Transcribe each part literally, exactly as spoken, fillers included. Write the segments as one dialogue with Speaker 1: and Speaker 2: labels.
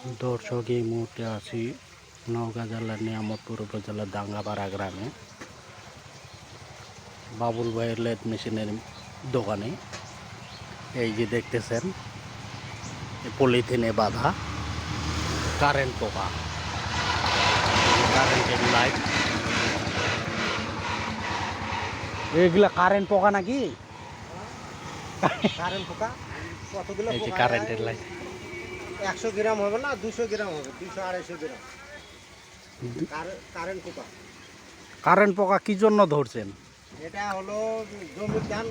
Speaker 1: দর্শক, এই মুহূর্তে আছি নওগাঁ জেলার নিয়ামতপুর উপজেলার দাঙ্গাপাড়া গ্রামে বাবুল ভাইয়ের লেদ মেশিনের দোকানে। এই যে দেখতেছেন পলিথিনে বাঁধা কারেন্ট পোকা, কারেন্টের লাইট। এগুলা কারেন্ট পোকা নাকি?
Speaker 2: কারেন্ট পোকা কতগুলো?
Speaker 1: এই যে কারেন্টের লাইট।
Speaker 2: একশো গ্রাম হবে না, দুশো গ্রাম হবে, দুশো আড়াইশো গ্রাম কারেন্ট পোকা।
Speaker 1: কারেন্ট পোকা কি জন্য ধরছেন?
Speaker 2: এটা হলো জমির ধান,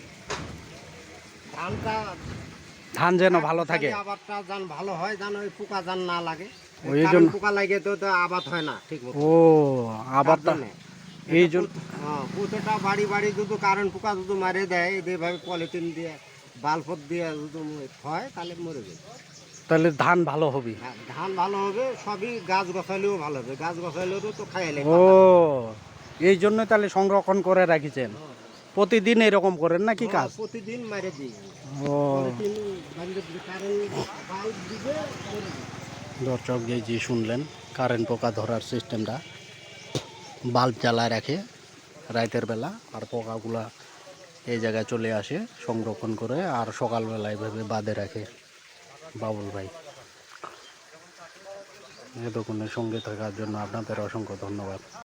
Speaker 2: ধানটা
Speaker 1: ধান যেন ভালো থাকে,
Speaker 2: আবাদটা যেন ভালো হয়, যেন ওই পোকা যেন না লাগে।
Speaker 1: ওই জন্য
Speaker 2: কারেন্ট পোকা লাগে তো তো আবাদ হয় না ঠিক মতো।
Speaker 1: ও আবারটা এই জন্য
Speaker 2: হ্যাঁ, প্রতিটা বাড়ি বাড়ি যদি কারেন্ট পোকা যদি মারে দেয়, এইভাবে পলিথিন দিয়ে বালপত দিয়ে যদি হয় তাহলে মরে যাবে।
Speaker 1: তাহলে ধান ভালো হবে।
Speaker 2: হ্যাঁ, ধান ভালো হবে, সবই গাছ গছালেও ভালো হবে, গাছ গছালেও তো খাইলে।
Speaker 1: ও এই জন্য তাহলে সংরক্ষণ করে রাখিছেন। প্রতিদিন এরকম করেন নাকি কাজ?
Speaker 2: প্রতিদিন মারে দিই।
Speaker 1: ও
Speaker 2: পলিথিন বান্ধব কারেন্ট বাল্ব দিবে মরে যাবে।
Speaker 1: দর্শক, যে যে শুনলেন কারেন্ট পোকা ধরার সিস্টেমটা, বাল্ব জ্বালায় রাখে রাতের বেলা, আর পোকাগুলা এই জায়গায় চলে আসে সংরক্ষণ করে, আর সকালবেলা এভাবে বাঁধে রাখে বাবুল ভাই। এ দোকানের সঙ্গে থাকার জন্য আপনাদের অসংখ্য ধন্যবাদ।